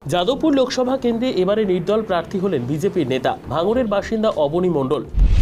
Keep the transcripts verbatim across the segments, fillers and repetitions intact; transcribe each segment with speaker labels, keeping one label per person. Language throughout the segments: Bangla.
Speaker 1: যাদবপুর লোকসভা কেন্দ্রে এবারে নির্দল প্রার্থী হলেন বিজেপির নেতা ভাঙড়ের বাসিন্দা অবনী মণ্ডল।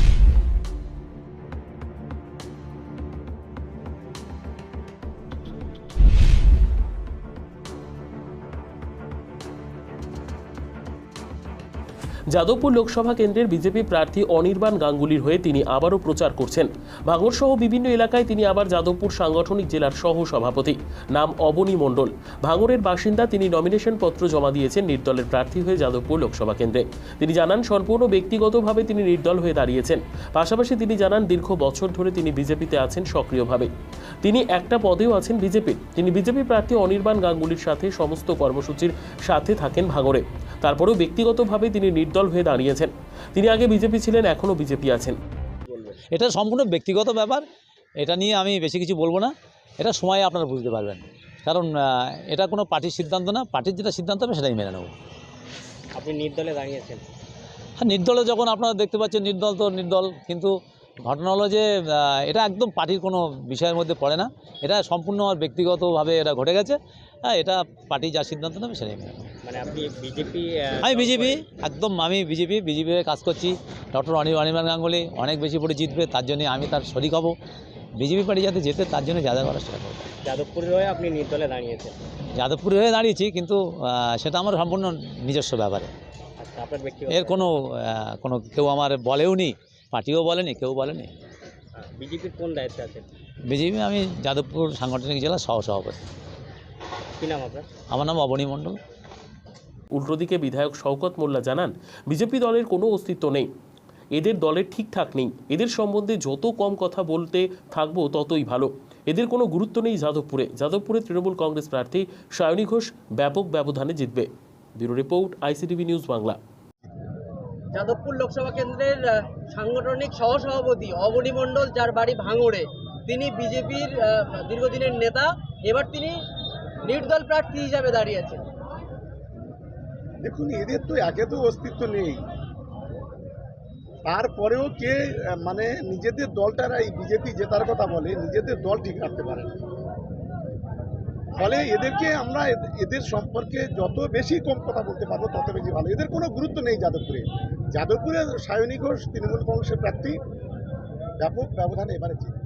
Speaker 1: যাদবপুর লোকসভা কেন্দ্রের বিজেপি প্রার্থী অনির্বাণ গাঙ্গুলির হয়ে তিনি আবারও প্রচার করছেন। ভাঙড় সহ বিভিন্ন এলাকায় তিনি আবার যাদবপুর সাংগঠনিক জেলার সহ সভাপতি, নাম অবনী মণ্ডল। ভাঙড়ের বাসিন্দা, তিনি নমিনেশন পত্র জমা দিয়েছেন নির্দলের প্রার্থী হয়ে যাদবপুর লোকসভা কেন্দ্রে। তিনি জানান সম্পূর্ণ ব্যক্তিগতভাবে তিনি নির্দল হয়ে দাঁড়িয়েছেন। পাশাপাশি তিনি জানান দীর্ঘ বছর ধরে তিনি বিজেপিতে আছেন সক্রিয়ভাবে। তিনি একটা পদেও আছেন বিজেপির। তিনি বিজেপি প্রার্থী অনির্বাণ গাঙ্গুলির সাথে সমস্ত কর্মসূচির সাথে থাকেন ভাঙড়ে। তারপরেও ব্যক্তিগতভাবে তিনি নির্দল হয়ে দাঁড়িয়েছেন। তিনি আগে বিজেপি ছিলেন, এখনও বিজেপি আছেন।
Speaker 2: এটা সম্পূর্ণ ব্যক্তিগত ব্যাপার, এটা নিয়ে আমি বেশি কিছু বলবো না। এটা সময়ে আপনারা বুঝতে পারবেন, কারণ এটা কোনো পার্টির সিদ্ধান্ত না। পার্টির যেটা সিদ্ধান্ত হবে সেটাই মেনে নেব।
Speaker 3: আপনি নির্দলে দাঁড়িয়েছেন?
Speaker 2: হ্যাঁ, নির্দলে যখন আপনারা দেখতে পাচ্ছেন, নির্দল তো নির্দল, কিন্তু ঘটনা হলো যে এটা একদম পার্টির কোনো বিষয়ের মধ্যে পড়ে না। এটা সম্পূর্ণ ব্যক্তিগতভাবে এটা ঘটে গেছে। হ্যাঁ, এটা পার্টি যা সিদ্ধান্ত নেবে সেটাই মেনে নেব।
Speaker 3: মানে আপনি বিজেপি?
Speaker 2: আমি বিজেপি, একদম আমি বিজেপি বিজেপি কাজ করছি। ডক্টর অনির্বাণ গাঙ্গুলি অনেক বেশি করে জিতবে, তার জন্য আমি তার শরিক হব। বিজেপি পার্টি যাতে যেতে, তার জন্য যা যা করার সেটা করবো।
Speaker 3: যাদবপুরের হয়ে আপনি নির্দলে দাঁড়িয়েছেন?
Speaker 2: যাদবপুরে হয়ে দাঁড়িয়েছি, কিন্তু সেটা আমার সম্পূর্ণ নিজস্ব ব্যাপারে।
Speaker 3: আচ্ছা, আপনার ব্যক্তিগত?
Speaker 2: এর কোনো কোনো কেউ আমার বলেও নি, পার্টিও বলেনি, কেউ বলেনি।
Speaker 3: বিজেপির কোন দায়িত্বে আছেন?
Speaker 2: বিজেপি আমি যাদবপুর সাংগঠনিক জেলা সহ সভাপতি।
Speaker 3: কী নাম আপনার?
Speaker 2: আমার নাম অবনী মণ্ডল।
Speaker 1: উল্টো দিকে বিধায়ক শওকত মোল্লা জানান, বিজেপি দলের কোনো অস্তিত্ব নেই, এদের দলের ঠিকঠাক নেই। এদের সম্বন্ধে যত কম কথা বলতে থাকবো ততই ভালো। এদের কোনো গুরুত্ব নেই যাদবপুরে। যাদবপুরে তৃণমূল কংগ্রেস প্রার্থী সায়নী ঘোষ ব্যাপক ব্যবধানে জিতবে। Bureau report, ICTV news Bangla.
Speaker 4: Jadavpur Lok Sabha কেন্দ্রের সাংগঠনিক সহসভাপতি অবনী মণ্ডল, যার বাড়ি ভাঙড়ে, তিনি বিজেপির দীর্ঘদিনের নেতা। এবার তিনি নির্দল প্রার্থী হিসাবে দাঁড়িয়েছেন।
Speaker 5: দেখুন, এদের তো একে তো অস্তিত্ব নেই, তারপরেও কে মানে নিজেদের দলটারা এই বিজেপি জেতার কথা বলে, নিজেদের দল ঠিক রাখতে পারে না। ফলে এদেরকে আমরা এদের সম্পর্কে যত বেশি কম কথা বলতে পারবো তত বেশি ভালো। এদের কোনো গুরুত্ব নেই যাদবপুরে। যাদবপুরে সায়নী ঘোষ তৃণমূল কংগ্রেসের প্রার্থী, ব্যাপক ব্যবধানে এবারে জিতবে।